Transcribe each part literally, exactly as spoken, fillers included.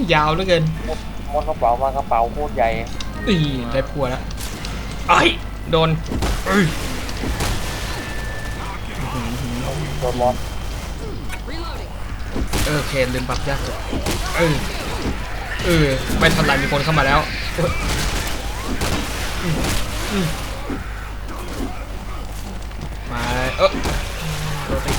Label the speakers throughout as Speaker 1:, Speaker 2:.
Speaker 1: ยาวเหลือเกิน
Speaker 2: มดกระเป๋ามากระเป๋าโคตรใหญ่
Speaker 1: อีได้พัวแล้วไอ้โดน
Speaker 2: โดนมด
Speaker 1: เออเคนลืมปรับยากสุดเออเออไม่ทันไรมีคนเข้ามาแล้วมาเออโดนไป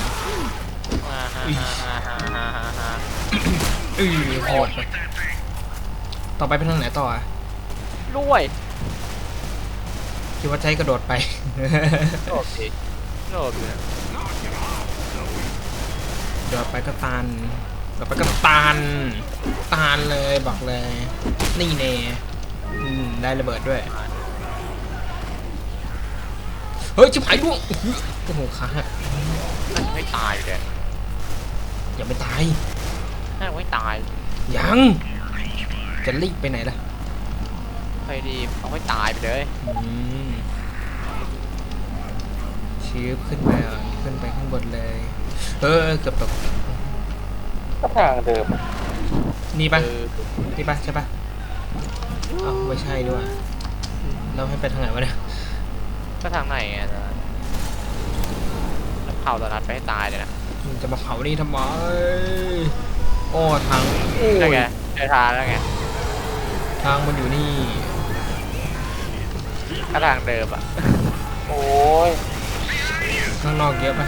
Speaker 1: อือโหดต่อไปเป็นทางไหนต่ออ่ะ
Speaker 3: รวย
Speaker 1: คิดว่าใช้กระโดดไป
Speaker 3: โอเคโอเค
Speaker 1: เดี๋ยวไปก็ตันเดี๋ยวไปก็ตันตันเลยบอกเลยนี่เน่ได้ระเบิดด้วยเฮ้ยชิบหายดวงโอ้โหขาหัก
Speaker 3: ไม่ตายเลย
Speaker 1: อย่าไม่ตาย
Speaker 3: ไม่ตาย
Speaker 1: ยังจะรีบไปไหนล่ะ
Speaker 3: ไปดีเอาไม่ตายไปเลย
Speaker 1: ชื้อขึ้นไปอ่ะขึ้นไปข้างบนเลยเออเกือบตก
Speaker 2: ก็ทางเดิม
Speaker 1: นี่ปะนี่ปะใช่ปะอ๋อไม่ใช่ด้วยเราให้ไปทางไหนวะเนี่ย
Speaker 3: ก็ทางไหนอ่ะเผาตอนนัดไปให้ตายเลยนะ
Speaker 1: จะมาเผานี่ทำไมโอ้ทาง
Speaker 3: ได้ไงเจอทางแล้วไง
Speaker 1: ทางมันอยู่นี่
Speaker 3: ก็ทางเดิมอ่ะ
Speaker 2: โอ้ย
Speaker 1: ข้างนอกเยอะปะ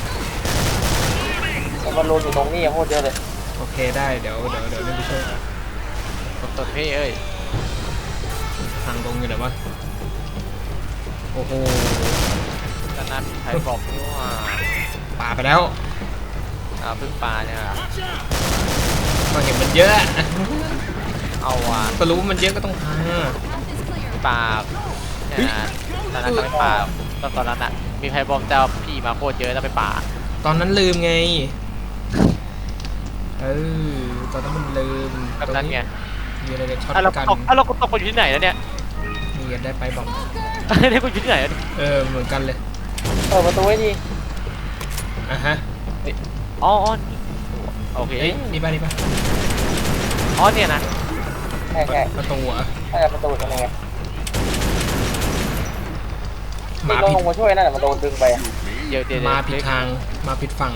Speaker 2: มันโดนอยู่ตรงนี้โคตรเยอะเลย
Speaker 1: โอเคได้เดี๋ยวเดี๋ยวเดี๋ยวไปช่วย
Speaker 3: กดตัวพี่เอ้ย
Speaker 1: ทางตรงอยู่ไหนวะโอ้โห
Speaker 3: ตอนนั้นใครบอกว่า
Speaker 1: ป่าไปแล้ว
Speaker 3: อ่าพึ่งปลาเนี่ย
Speaker 1: ก็เห็นมันเยอะ
Speaker 3: เอาว่ะ
Speaker 1: ก็รู้ว่ามันเยอะก็ต้องพา
Speaker 3: ปลาเนี่ยตอนนั้นไปป่าตอนตอนนั้นอ่ะมีใครบอกเจ้าพี่มาโคตรเยอะแล้วไปป่า
Speaker 1: ตอนนั้นลืมไงเออตอนนั้นมันลืม
Speaker 3: ตอนนั้นไง
Speaker 1: มีอะไรกันช็อต
Speaker 3: กันอ่ะเราตกไปอยู่ที่ไหนแล้วเนี่ย
Speaker 1: มีกันได้ไปบอก
Speaker 3: ได้ไปอยู่ที่ไหน
Speaker 1: เออเหมือนกันเลย
Speaker 2: เปิดประตูไว้ดี
Speaker 1: อ่ะฮะ
Speaker 3: อ๋อโอเค
Speaker 1: นี่ป่ะนี่ป่ะ
Speaker 3: อ๋อเนี่ยนะ
Speaker 2: ใช่ใช่
Speaker 1: ประตูอ่ะ
Speaker 2: ใช่ประตูทำยังไงมาผิดมาช่วยนั่นแหละมาโดนดึงไป
Speaker 3: เดี๋ยวเดี๋ยว
Speaker 1: มาผิดทางมาผิดฝั่ง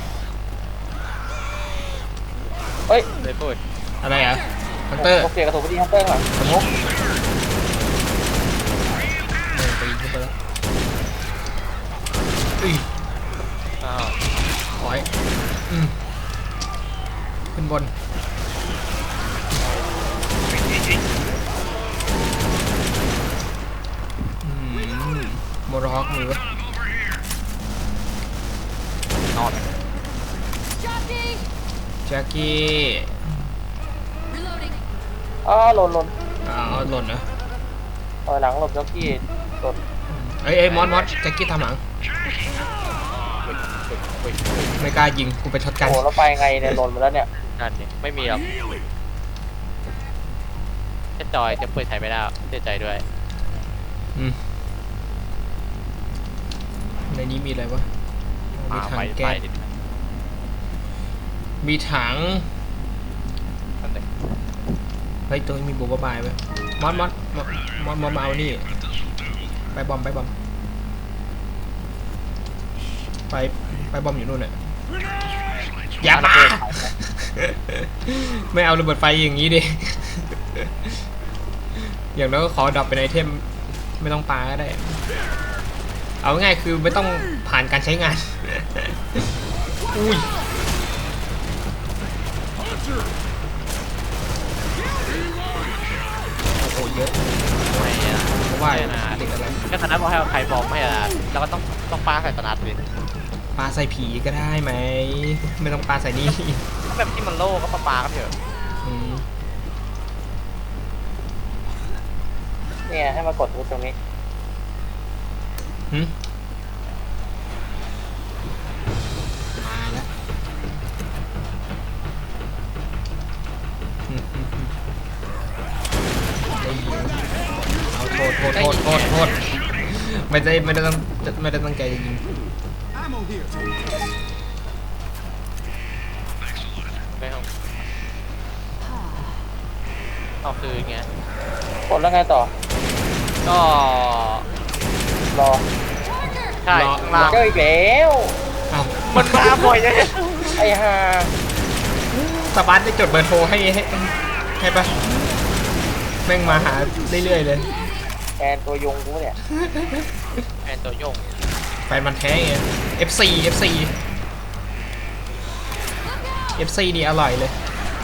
Speaker 2: เฮ้ย
Speaker 3: เลยพูด
Speaker 1: อะไรอ่ะฮันเตอร์
Speaker 2: โอเคกระสุนพอดีฮันเตอร์ก่อนสมมติ
Speaker 1: ไปยิงขึ้นไปแล้วอุ้ย
Speaker 3: อ้าว
Speaker 1: ถอยอืมขึ้นบนโมร็อกมือวะ
Speaker 3: นอน
Speaker 1: แจ็คกี้
Speaker 2: อ๋อหล่นหล่น
Speaker 1: อ๋อหล่นนะ
Speaker 2: ถอยหลังหลบแจ็คกี้หล่น
Speaker 1: เอ้ยเอ้ยมอสมอสแจ็คกี้ทำหลังไม่กล้ายิงกูไปช็อตกัน
Speaker 2: โอ้แล้วไปไงเนี่ยหล่นมาแล้วเนี่ย
Speaker 3: นั่นนี่ไม่มีหรอกจะจอยจะเปิดถ่ายไม่ได้เสียใจด้วย
Speaker 1: อืมในนี้มีอะไรวะมีถังแก๊สมีถังเฮ้ยตรงนี้มีบัวบายไว้มอสมอสมอสมอสมอสมาเอานี่ไปบอมไปบอมไปไปบอมอยู่นู่นน่ะอย่ามาไม่เอาระเบิดไฟอย่างนี้ดิอย่างน้อยก็ขอดับเป็นไอเทมไม่ต้องปาก็ได้เอาง่ายคือไม่ต้องผ่านการใช้งานอุ้ยโอ้โหเยอะ
Speaker 3: ไม่อะ
Speaker 1: เพราะว่าติดอะไร
Speaker 3: ก็ตอนนั้นพอให้ใครบอกไม่อะเราก็ต้องต้องปาใส่ตนัดเลย
Speaker 1: ปาใส่ผีก็ได้ไหมไม่ต้องปาใส่นี่
Speaker 3: แบบที่มันโล่ก็ปาปาก็เถอะ
Speaker 2: เนี่ยให้มากดตรงนี้
Speaker 1: มาแล้วเอาโทษโทษโทษโทษโทษไม่ได้ไม่ได้ต้องไม่ได้ตั้งใจจริง
Speaker 3: เอาคืนไง
Speaker 2: กดแล้วไงต่อ
Speaker 3: ก็
Speaker 2: รอ
Speaker 3: ใช่ข้างล่าง
Speaker 2: เจออีกแล้ว
Speaker 1: เอ้า
Speaker 3: มันมาบ่อยเลย
Speaker 2: ไอ้ห่า
Speaker 1: สปาร์ตได้จดเบอร์โทรให้ให้ให้ปะแม่งมาหาเรื่อยๆเลย
Speaker 2: แฟนตัวยงกูเนี่ย
Speaker 3: แอนตัวโยง
Speaker 1: แฟนมันแท้ไง เอฟ ซี เอฟ ซี เอฟ ซี นี่อร่อยเลย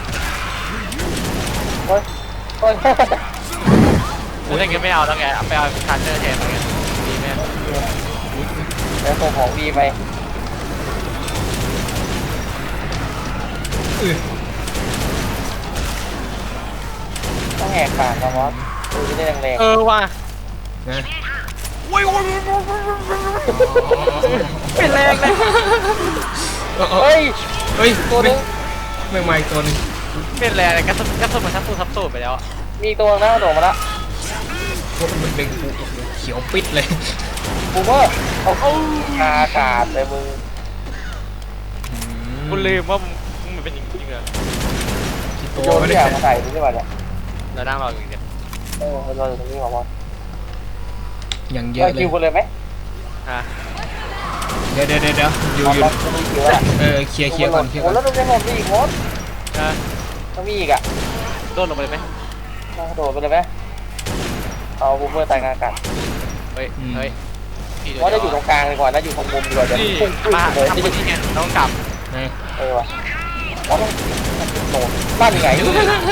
Speaker 2: เฮ้ยเฮ้ย
Speaker 3: กูถ้างั้นไม่เอาแล้วไงเอาไปเอาชาร์เจอร์แทนอะไรเงี้ยดีไหม
Speaker 2: แล้วส่งของดีไป
Speaker 1: อือ
Speaker 2: ต้องแหกปากนะมอสดูจะได้แรง
Speaker 3: เออว่ะ
Speaker 1: นะ
Speaker 3: เป็นแรงเลย
Speaker 1: เออเอ
Speaker 2: ๆ
Speaker 1: อ
Speaker 2: เฮ้ย
Speaker 1: เฮ้ย
Speaker 2: ตัวนึง
Speaker 1: ไม่ไม่ตัวหนึง
Speaker 3: เป็นแรงเลยกระสุนกระสุนมันทับตูทับตูดไปแล้วอะ
Speaker 2: มีตัวหน้าโดดมาละ
Speaker 1: พวกมันเบ่งกูเขียวปิดเลย
Speaker 2: บูมเมอร์เอาเข้าคาขาดเลยมึง
Speaker 3: กูลืมว่ามึงมันเป็นอย่างนี้เลย
Speaker 1: ตัว
Speaker 2: โยน
Speaker 1: ไม่
Speaker 2: ที่
Speaker 1: ได้
Speaker 2: อยากมาใส่ดูดีกว่าเนี่ย
Speaker 3: เรานั่งรออยู่เนี่ย
Speaker 2: เออเราอยู่ตรงนี้มามอส
Speaker 1: อย่างเย
Speaker 2: เรา
Speaker 1: อะเล
Speaker 2: คิ
Speaker 1: ยว
Speaker 2: กันเลยไหม
Speaker 3: ฮะ
Speaker 1: เดี๋ยวเดี๋ยวเดี๋ยวเดี๋ยวอยู่
Speaker 2: มอ
Speaker 1: อยู่
Speaker 2: สจะมีคิวแล้ว
Speaker 1: เออเคลียร์เคลียร์ก่อนเคลียร์
Speaker 2: โอ้
Speaker 1: ก่อน
Speaker 2: แล้วดูยังไงมีอีกมอส
Speaker 3: ฮะ
Speaker 2: ต้องมีอีกอ่ะ
Speaker 3: โดนลงไปเลยไหม
Speaker 2: ต้องกระโดดไปเลยไหมเอาบูมเมอร์ตายกลางอากาศ
Speaker 3: เฮ้ยเฮ้ยพี่
Speaker 2: มอสจะอยู่ตรงกลางดีกว่านะอยู่ตรงมุมดีกว่าจะ
Speaker 3: นี่
Speaker 2: พุ่งขึ้น
Speaker 3: มา
Speaker 2: เลย
Speaker 3: ทำ
Speaker 2: ที่
Speaker 3: คนที่ไงต้องกลับ
Speaker 1: นะ
Speaker 2: เออว่ะมอสต้องโดดบ้านยังไง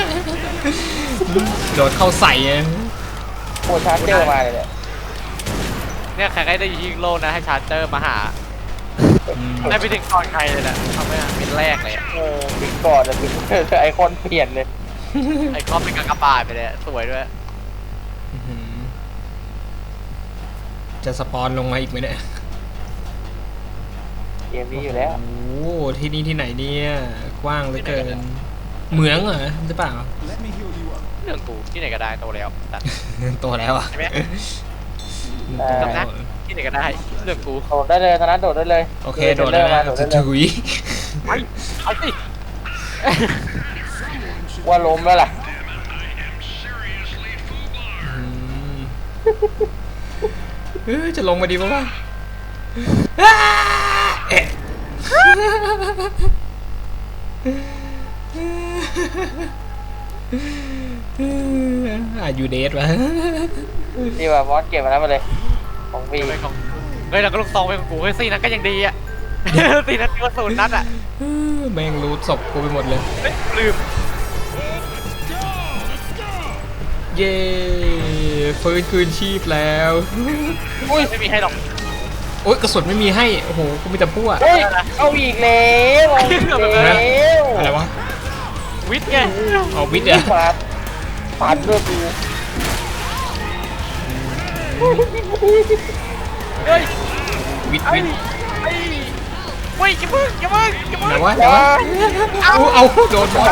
Speaker 1: โดดเข้าใส่อะ
Speaker 2: โคชาร์เจอร์มาเลยเนี่ย
Speaker 3: เนี่ยใครได้ยิงโลนะให้ชาร์เจอร์มาหา
Speaker 1: อืม
Speaker 3: ได้ไปถึงก่อนใครเลยนะทำให้เป็นแรกเลยอะ
Speaker 2: เออบิ๊กก่อนเลยบิ๊กไอคอนเปลี่ยนเลย
Speaker 3: ไอ้คอปเป็นกากบาทไปเลยสวยด้วย
Speaker 1: อื้อหือจะสปอนลงมาอีกไหมเนี่ย
Speaker 2: เกมนี้อยู่แล้ว
Speaker 1: โอ้โหที่นี่ที่ไหนเนี่ยกว้างเหลือเกินเหมืองเหรอหรือเปล่า
Speaker 3: เรื่องกูที่ไหนก็ได้โตแล้วตัด
Speaker 1: โตแล้วอ่ะ
Speaker 3: ใช่ไหม
Speaker 2: เออ
Speaker 1: โต
Speaker 3: จำ
Speaker 1: แล้
Speaker 3: นะ
Speaker 1: ว
Speaker 3: ที่ไหนก็ได้เรื่องกู
Speaker 2: โดดได้เลยตอนนั้นโดดได้เลย
Speaker 1: โอเคโดดแล้ว
Speaker 2: มา
Speaker 1: นะ
Speaker 2: โดดได้เลย
Speaker 1: ถุย
Speaker 3: ไปเอาสิ
Speaker 2: ว่าล้มแล้วล่ะ
Speaker 1: อืมเออจะลงมาดีปะวะอ้าเอ๊ะอายุเดทวะ
Speaker 2: นี่ว่ามอสเก็บมาแล้วมาเลยของฟรี
Speaker 3: เป็นของเฮ้ยเราก็ลูกซองเป็นของกูเฮ้ยสี่นัดก็ยังดีอ่ะสี่นัดก็ศูนย์นัดอ่ะ
Speaker 1: แม่งรู้ศพกูไปหมดเลย
Speaker 3: เฮ้ยลืม
Speaker 1: เย้ฟื้นคืนชีพแล้ว
Speaker 3: อุ้ยไม่มีให้หรอก
Speaker 1: โอ๊ยกระสุนไม่มีให้ โอ้โหกูมีแต่พวก
Speaker 2: เฮ้ยเอาอีกแล้วเอาอีกแล้ว
Speaker 1: อะไรวะ
Speaker 3: วิทย์ไง
Speaker 1: เอาวิทย์อะ
Speaker 2: ปาดปาดเลือดกู
Speaker 3: เฮ้ย
Speaker 1: วิทย์
Speaker 3: ไอ้
Speaker 1: วิทย์
Speaker 3: ไอ้เฮ้ยอย่ามึงอย่ามึงอย่ามึง
Speaker 1: ไหนวะไหนวะเอาเอาโดนบอล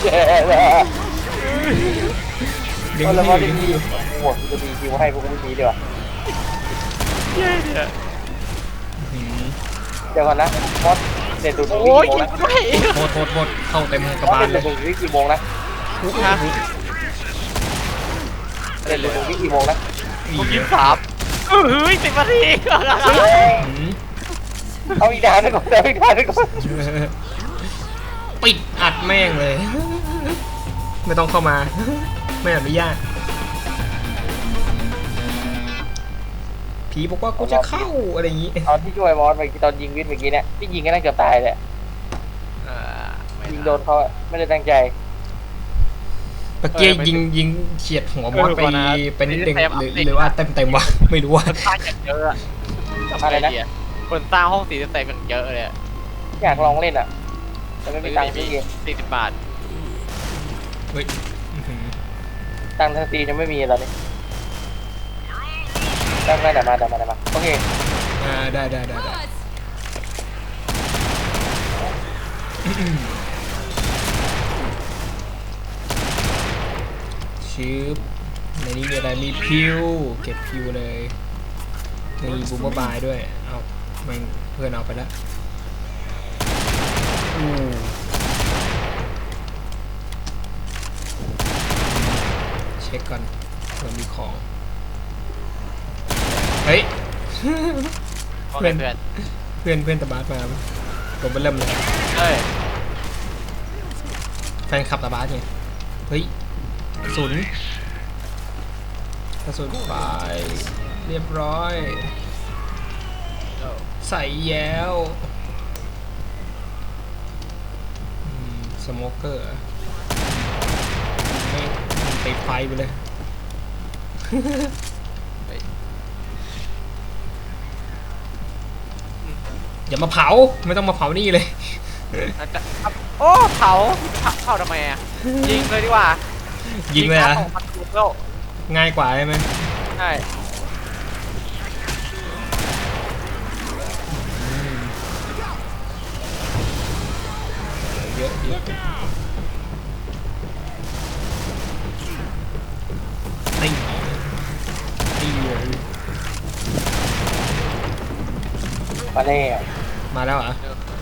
Speaker 1: ดึง
Speaker 2: เอาแล้ว
Speaker 1: ที่
Speaker 2: มอส
Speaker 1: ดึ
Speaker 2: ดี
Speaker 1: งที่
Speaker 2: หมวกจะมีคิวให้พวกมึงดีดีกว่า
Speaker 3: เย้เนี่ย
Speaker 1: หืม
Speaker 2: เดี๋ยวก่อนนะมอสเด็ดดูด
Speaker 3: โอ้ย
Speaker 2: กี่โม
Speaker 3: ยิ
Speaker 2: ง
Speaker 3: ง
Speaker 2: นะ
Speaker 3: ด้วย
Speaker 1: โทษโทษโทษเข้าเต็มกระ
Speaker 2: มอส
Speaker 1: บาล
Speaker 2: เด็ด
Speaker 1: เล
Speaker 2: ดู
Speaker 1: ย
Speaker 2: ดวิกี่โมงนะ
Speaker 3: ฮะ
Speaker 2: เด็ดดูดวิกี่โมงนะ
Speaker 3: กูยิงสามเฮ้ยสิบนาที
Speaker 1: หืม
Speaker 2: เอาอีกดาวนึงก่อนเอาอีกดาวนึงก่อน
Speaker 1: ปิดอัดแม่งเลย ไม่ต้องเข้ามา ไม่อนุญาตผีบอกว่ากูจะเข้าอะไรอย่างงี้
Speaker 2: ตอนที่ช่วยมอสเมื่อกี้ตอนยิงวิทย์เมื่อกี้เนี่ยที่ยิงก็น่าเกือบตายเลยยิงโดนเขาอะไม่ได้ตั้งใจ
Speaker 1: เมื่อกี้ยิงยิงเฉียดหัวมอสไปไปนิดนึงหรือหรือว่าเต็มเต็มๆวะไม่รู้ว่า
Speaker 3: คนสร้างอย่างเยอะอะคนสร้างห้องสีเต็มอย่างเยอะเลย
Speaker 2: อยากลองเล่นอ่ะแต่ไม่มีตังค์ซื้อเกม
Speaker 3: สี่สิบบาท
Speaker 1: เฮ้ยอื้อหือ
Speaker 2: ตังค์ทางตียังไม่มีตอนนี้ได้ได้แต่มาแต่มาแต่มาโอเค
Speaker 1: อ่าได้ได้ได้ได้ชิปในนี้มีอะไรมีพิวเก็บพิวเลยมีบูมเบอร์บายด้วยเอาแม่งเพื่อนเอาไปแล้วอู้
Speaker 3: โอเคเพื่อน
Speaker 1: เพื่อนเพื่อนตะบาสมาผมไปเริ่มเลย
Speaker 3: เฮ้ย
Speaker 1: แฟนคลับตะบาสไงเฮ้ยกระสุนกระสุนไปเรียบร้อยใส่แย้วสโมเกอร์ไม่ติดไฟไปเลยอย่ามาเผาไม่ต้องมาเผานี่เลย
Speaker 3: โอ้เผาเผาทำไมอ่ะยิงเลยดีกว่า
Speaker 1: ยิงเลยอ่ะ
Speaker 3: ของมันถูกแล้ว
Speaker 1: ง่ายกว่าใช่ไหม
Speaker 3: ใช่
Speaker 1: เยอะเยอะตีตีเลย
Speaker 2: มาแล้ว
Speaker 1: มาแล้วเหรอ่ะ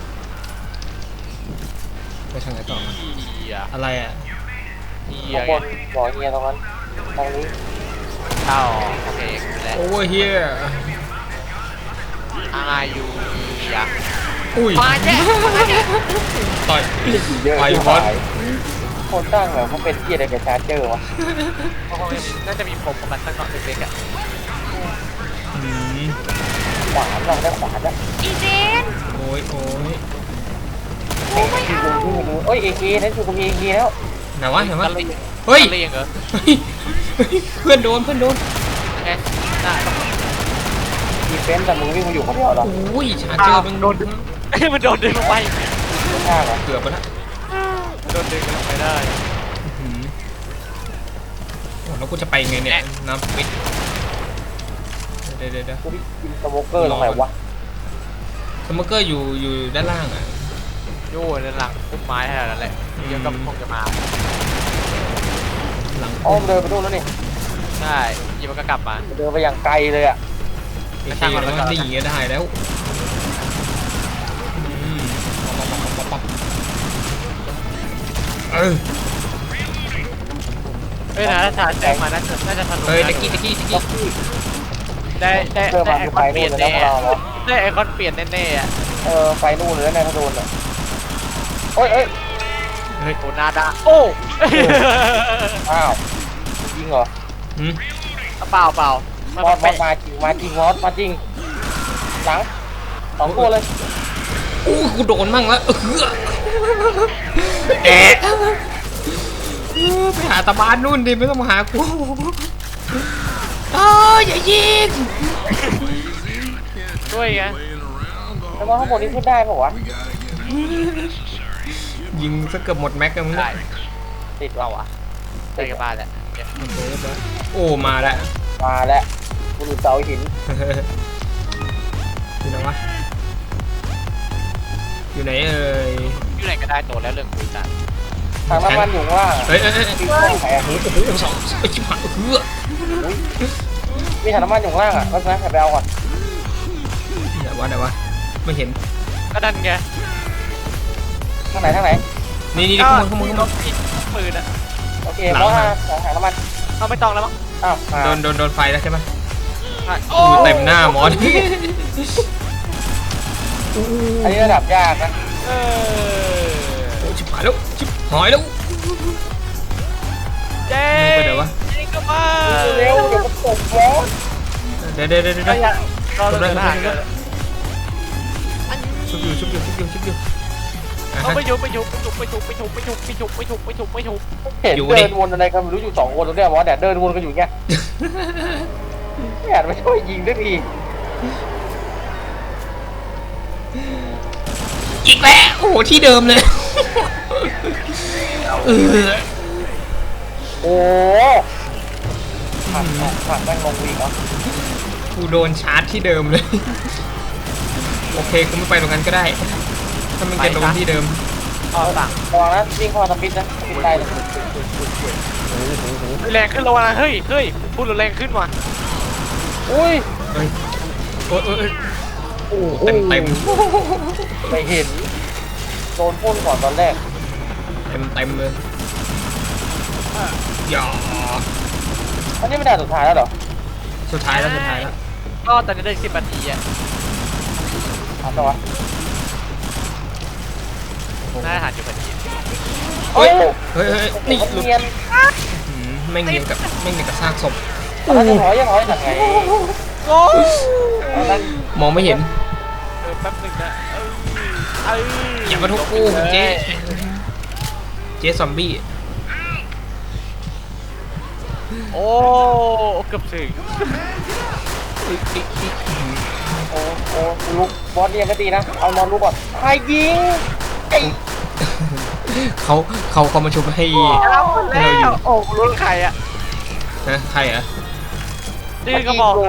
Speaker 1: ไปทางไหนต่อมา
Speaker 3: เฮีย
Speaker 1: อะไรอ่ะ
Speaker 3: เฮีย
Speaker 2: ข้างบนบ่อเฮียตรงนั้นทางนี้
Speaker 3: เข้าโอเคแล้ว
Speaker 1: โอเวอร์เฮีย
Speaker 3: อายุเฮีย
Speaker 1: อุ้ย
Speaker 3: มาแย่มาแย่
Speaker 1: ต่อย
Speaker 2: เยอะ
Speaker 1: ไป
Speaker 2: ที่
Speaker 1: บอส
Speaker 2: หายคนตั้งแบบเขาเป็นเฮียอะไรกับชาร์เจอร์วะ
Speaker 3: น่าจะมีผมกับมันตั้งแต่เด็กๆอ่ะ
Speaker 1: อืม
Speaker 2: ขวานเราได้ขวานนะ
Speaker 4: อีเจน
Speaker 1: โอ้ยโอ้ย
Speaker 2: เอ้ยคือดูดูดูเอ้ยเอเคนั่นคือคุณเอเคแล้ว
Speaker 1: ไหนวะไหนวะ
Speaker 3: กันเลย
Speaker 1: เฮ้ย
Speaker 3: กันเลยเหรอ
Speaker 1: เฮ้ยเฮ้ยเพื่อนโดนเพื่อนโดน
Speaker 3: ไงน่า
Speaker 2: ดีเฟนต์แต่มึงวิ่งมาอยู่คนเดียวเหรอ
Speaker 1: โอ้ยชาร์เจอร์มันโดน
Speaker 3: มันโดนดึงลงไป
Speaker 2: ไม่ใช่เหรอ
Speaker 1: เกือบไปละ
Speaker 3: โดนดึงลงไปได้
Speaker 1: อื้อหือโอ้แล้วกูจะไปไงเนี่ยน้ำปิดเดี๋ยวเดี๋ยวเดี๋ยว
Speaker 2: กูได้กินสโมเกอร์ตรงไหนวะ
Speaker 1: สโมเกอร์อยู่อยู่ด้านล่างอ่ะ
Speaker 3: โย่ในหลังพุ่มไม้แค่นั้นแหละเดี๋ยวก็คงจะมา
Speaker 1: หลัง
Speaker 2: อ้อมเดินไปนู่นแล้วนี่
Speaker 3: ใช่ยีมันก็กลับมา
Speaker 2: เดินไปอย่างไกลเลยอ่ะ
Speaker 1: เอเคแล้วก็ดีก็ได้แล้วอืมปั๊บปั๊บปั๊บปั๊บเออ
Speaker 3: เฮ้ยนะถ้าชาร์จแจกมาน่าจะน่าจะทะลุ
Speaker 1: เฮ้ยตะกี้ตะกี้ตะกี้
Speaker 3: ได้ได้
Speaker 2: เดิน
Speaker 3: ได้
Speaker 2: มา
Speaker 3: ไอ
Speaker 2: คือ
Speaker 3: ค
Speaker 2: ไป
Speaker 3: อนเป
Speaker 2: นู่
Speaker 3: ลี่ย
Speaker 2: น
Speaker 3: น
Speaker 2: เลยนะ
Speaker 3: แน่
Speaker 2: พวกเราเนาะ
Speaker 3: ได้ไอคอนเปลี่ยนแน่ๆอ่ะ
Speaker 2: เออไปนู่นเลยนะถ้าโดนอ่ะโอ้ยเอ้ย
Speaker 1: เฮ้ย
Speaker 3: โอนาดาโอ้
Speaker 2: อ้าวจริงเหรอ
Speaker 1: หืม
Speaker 3: เปล่าเปล่ามัน
Speaker 2: มอสมอ
Speaker 3: เป็
Speaker 2: ส
Speaker 3: น
Speaker 2: มาจริงมาจริงมอสมาจริงหลังสองตัวเลย
Speaker 1: โอ้กูโดนมั่งแล้วเออแอะไปหาตาบ้านนู่นดิไม่ต้องมาหากูเอออย่ายิง
Speaker 3: ด้วยไง
Speaker 2: แล้วว่าข้างบนนี้ขึ้นได้ป่าวะ
Speaker 1: ยิงซะเกือบหมดแม็กกันมึง
Speaker 3: ได้
Speaker 1: เนี่ย
Speaker 2: ติด
Speaker 3: เป
Speaker 2: ว่ะ
Speaker 3: ล่าวะได้กับบ้านแล้วเนี่ย
Speaker 1: โอ้มาแล้ว
Speaker 2: มาแล้วกูดูเสาหิน
Speaker 1: อยู่ไหนวะอยู่ไหนเอ่ย
Speaker 3: อยู่ไหนก็ได้โตแล้วเรื่องคุยกัน
Speaker 2: ทางน้ำมันอยู่ข้างล่าง
Speaker 1: เฮ้ยเฮ้ยเฮ้ย
Speaker 2: มีข้างไหนอ่ะ
Speaker 1: โอ้โหสองไอ้ชิบหายเฮือ
Speaker 2: มีถังน้ำมันอยู่ข้างล่างอ่ะก็นะไปเอาก่อน
Speaker 1: เดี๋ยววะเดี๋ยววะไม่เห็น
Speaker 3: ก็ดันไง
Speaker 2: ทางไหนทางไหน
Speaker 1: นี่นี่
Speaker 3: ก็
Speaker 1: ข้างบนข้างบนข้างบน
Speaker 3: ปืนอะ
Speaker 2: โอเคเพราะว่าถังน้ำมัน
Speaker 3: เอาไม่ต้องแล้วมั้ง
Speaker 2: อ้าวมา
Speaker 1: โดนโดนโดนไฟแล้วใช่ไหม
Speaker 3: โอ้
Speaker 1: อู้เต็มหน้ามอส
Speaker 2: อันนี้ระดับยากนะ
Speaker 3: เออ
Speaker 1: โอ้ชิบหายแล้วชิบหายแล้ว
Speaker 3: เจ๊
Speaker 1: ไปไหนวะ
Speaker 3: ยิงก็มา
Speaker 2: เร็วเดี๋ยวมันตกร้อน
Speaker 1: เดี๋ยวเดี๋ยวเดี๋ยวเดี๋ยว
Speaker 3: ก็อย่ารอเดินทางกัน
Speaker 1: ชุบอยู่ชุบอยู่ชุบอยู่ชุบอยู่อ่ะ
Speaker 3: เขา
Speaker 1: ฮะ
Speaker 3: ไปยุบไปยุบไปยุบไปยุบไปยุบไปยุบไปยุบไปยุบไปยุบไปยุบ
Speaker 2: เห็น
Speaker 1: อยู่ดิ
Speaker 2: เดินวนอะไรกันไม่รู้อยู่สองคนตรงเนี้ยมอสเนี่ยเดินวนกันอยู่เงี้ยไม่อยากไปช่วยยิงสักที
Speaker 1: อีกแล้วโอ้โหที่เดิมเลยเออ
Speaker 2: โอ้ผักผักแม่งงงวีกเหรอ
Speaker 1: กูโดนชาร์จที่เดิมเลยโอเคกูไม่ไปตรงนั้นก็ได้ถ้ามันจะลงที่เดิม
Speaker 3: อ๋อสั่ง
Speaker 2: ระวังนะวิ่งเข้ามาสปิดนะสปิดได้เลย
Speaker 3: แรงขึ้นแล้วนะเฮ้ยเฮ้ยพูดแรงขึ้นว่ะ
Speaker 2: อุ้ย
Speaker 1: เฮ้ยโอ้ยโอ้ย
Speaker 2: โอ้โห
Speaker 1: เต็มเต็ม
Speaker 2: ไม่เห็นโดนพ่นก่อนตอนแรก
Speaker 1: เต็มเต็มเลยอย่า
Speaker 2: อันนี้ไม่ได้สุดท้ายแล้วเหรอ
Speaker 1: สุดท้ายแล้วสุดท้ายแล้ว
Speaker 3: ก็ตอนนี้ได้สิบนาทีอ่ะ
Speaker 2: เอาตัว
Speaker 3: น่าจะหันอยู่พอดี
Speaker 2: เฮ้ย
Speaker 1: เฮ้ยเฮ้ยนี่หลุด
Speaker 2: เนียน
Speaker 1: อืมแม่งเนียนกับแม่งเนียนกับซากศพ
Speaker 2: ตอนนั้นจะถอยยังถอยยังไง
Speaker 3: โอ้
Speaker 2: ตอนนั้น
Speaker 1: มองไม่เห็น
Speaker 3: เออแป๊บนึงนะเออเออ
Speaker 1: อย่ามาทุบกูเจ๊เจ๊ซอมบี้
Speaker 3: โอ้เกือบถึง
Speaker 2: โอ้โอ้ลุกบอสเนียนก็ดีนะเอานอนลุกก่อนใครยิงไอ้
Speaker 1: เขาเขาเขามาชุบให้
Speaker 3: เอาแล้วโอ้รู้ใครอ่ะ
Speaker 1: นะใครอ่ะ
Speaker 3: นี่ก็บอกเลย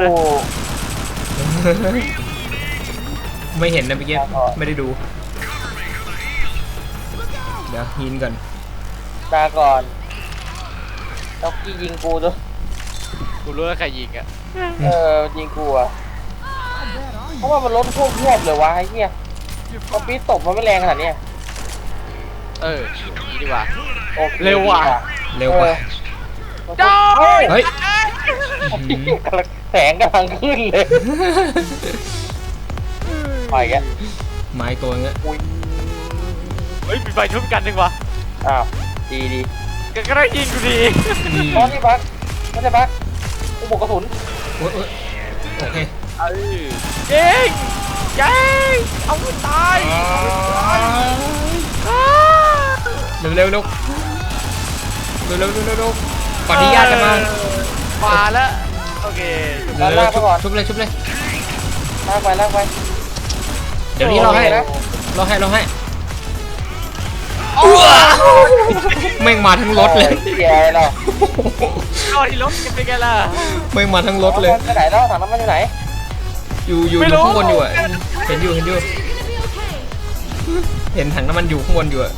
Speaker 1: ไม่เห็นนะเมื่อกี้ไม่ได้ดู เดี๋ยวยินก่อน
Speaker 2: ตาก่อนล็อกกี้ยิงกูด้วย
Speaker 3: กูรู้แล้วใครยิงอ่ะ
Speaker 2: เออยิงกูอะเพราะว่ามันล้นพวกแยบเลยวะไอ้เหี้ยพอปี๊ดตบมันไม่แรงขนาดเนี้ย
Speaker 3: เออนี่ดีกว่า
Speaker 2: โอค
Speaker 3: เร็วว่ะ
Speaker 1: เร็วกว่า
Speaker 2: เออ
Speaker 1: เฮ้ย
Speaker 2: กำลังแสงกำลังขึ้นเลยไปแกะ
Speaker 1: ไม้ตัวเงี้ย
Speaker 2: อุ้ย
Speaker 3: เฮ้ยมีไฟชุบกันดีกว่า
Speaker 2: อ้าวดีดี
Speaker 3: ก็ก็ได้ยิงกูดี
Speaker 1: อืม
Speaker 2: ตอนนี้บักไม่ใช่บักกูบอกกระสุน
Speaker 1: โอ๊ยโอ๊ยโอเค
Speaker 3: เออยิงยิงเอาไม่ตายอ้า
Speaker 1: เร็วเร็วเร็วเร็วเร็วเร็วเร็วเร็วก่อนที่ญาติจะมา
Speaker 3: มาแล้วโอเค
Speaker 1: เร็วเร็วชุบชุบเลยชุบเลย
Speaker 2: ลากไปลากไป
Speaker 1: เดี๋ยวนี้เราให้
Speaker 2: นะ
Speaker 1: เราให้เราให้แม่งมาทั้งรถเลย
Speaker 2: โอ้เหี้ยอะไรเรา
Speaker 3: เอาที่รถกันไปกันล่ะ
Speaker 1: แม่งมาทั้งรถเลย
Speaker 2: ไปไหนแล้วถังน้ำมันอยู่ไหน
Speaker 1: อยู่อยู่
Speaker 3: ไม่
Speaker 1: อ
Speaker 3: รู้
Speaker 1: ยู่ข้างบนอยู่อ่ะเห็นอยู่เห็นอยู่เห็นถังน้ำมันอยู่ข้างบนอยู่อ่ะ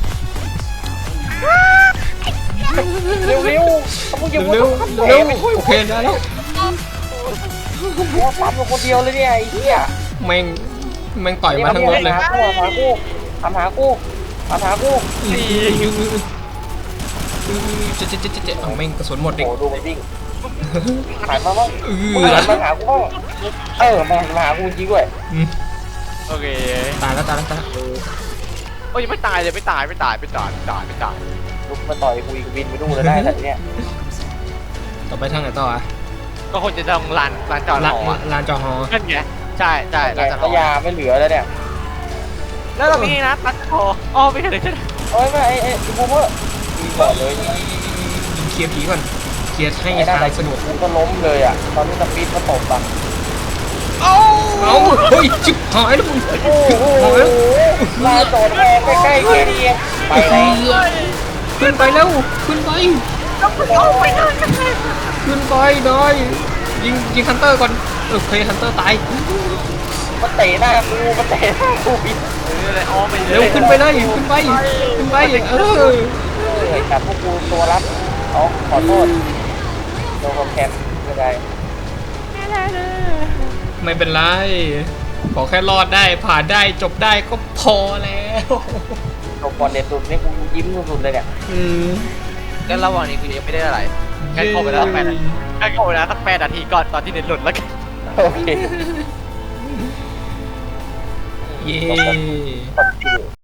Speaker 2: เร็วเร็วๆต้องอย่า
Speaker 1: เร็ว
Speaker 2: พูด
Speaker 1: เร็ว
Speaker 2: ไม่
Speaker 1: เร็ว
Speaker 2: ช่วย
Speaker 1: โอเคได้แล้ว
Speaker 2: โอ้ปั๊มอยู่คนเดียวเลยเนี่ยไอ้เหี้ย
Speaker 1: แม่งแม่งต่อยมาทั้งรถเลย
Speaker 2: หากูหากูทำหากูทำหากู
Speaker 1: อือเจ๊เจ๊เจ๊เจ๊เอาแม่งกระสุนหมดดิ
Speaker 2: โอ้ดูมันวิ่งถ่ายมาบ้าง
Speaker 1: อื
Speaker 2: มึง
Speaker 1: อ
Speaker 2: หันมาหากูบ้างเออมามาหากูจริงด้วย
Speaker 1: อืม
Speaker 3: โอเค
Speaker 1: ตายแล้วตายแล้วตายแล้ว
Speaker 3: โอ้ยยังไม่ตายเลยไม่ตายไม่ตายไม่ตายไม่ตายไม่ตาย
Speaker 2: ลุกมาต่อยกูอีกบินไปดูเลยได้แต่เนี้ย
Speaker 1: ต่อไปทางไหนต่ออ่ะ
Speaker 3: ก็คงจะต้องลานลานจอด
Speaker 1: ลา
Speaker 3: หอ
Speaker 1: ลานจอหอ
Speaker 3: นั่นไงใช่ใช่ลานจอดห
Speaker 2: ก็
Speaker 3: อย
Speaker 2: าไม่เหลือแล้วเนี่ย
Speaker 3: แล้วเรามีนะตัดคออ๋อไม่เคยเลยใช่ไหม
Speaker 2: เอ้ยไม่ไอ้ไอ้ไอ้บูมเมอร์ยิงก่อนเลย
Speaker 1: ยิงเคลียร์ผีก่อนเคลียร์ให้
Speaker 2: ไอ้นั่น
Speaker 1: ทางสะดวก
Speaker 2: กูก็ล้มเลยอ่ะตอนนี้สปีดมันตกอ่ะ
Speaker 3: โอ้
Speaker 1: เอาเฮ้ยชิบหายแล้วมึง
Speaker 2: โอ้โหลาโดดแรงใกล้ๆแค่นี้เองไปแล้ว
Speaker 1: ขึ้นไปแล้วขึ้นไป
Speaker 3: เอาไปเลย
Speaker 1: ขึ้นไปหน่อยยิงยิงฮันเตอร์ก่อนโอเคฮันเตอร์ตาย
Speaker 2: มันเตะหน้ากูมันเตะหน้ากูบิน
Speaker 3: เออเลยอ๋อไปเล
Speaker 1: เร็วย ขึ้นไปเลยขึ้นไปขึ้นไปเออ
Speaker 2: เฮ้ยแต่พวกกูตัวรับเอาขอโทษโดนคอมแคมไม่ได้
Speaker 1: ไม่เป็นไรขอแค่รอดได้ผ่านได้จบได้ก็พอแล้ว
Speaker 2: โดนบอลเด็ดสุดนี่กูยิ้มสุดๆเลยเนี่ย
Speaker 1: อืม
Speaker 3: งั้นระหว่างนี้คือยังไม่ได้อะไรงั้นเข้าไปแล้วสักแปดนาทีงั้นเข้าไปแล้วสักแปดนาทีก่อนตอนที่เน็ตหลุดแล้วกัน
Speaker 2: โอเค
Speaker 1: เย้
Speaker 2: กดคิว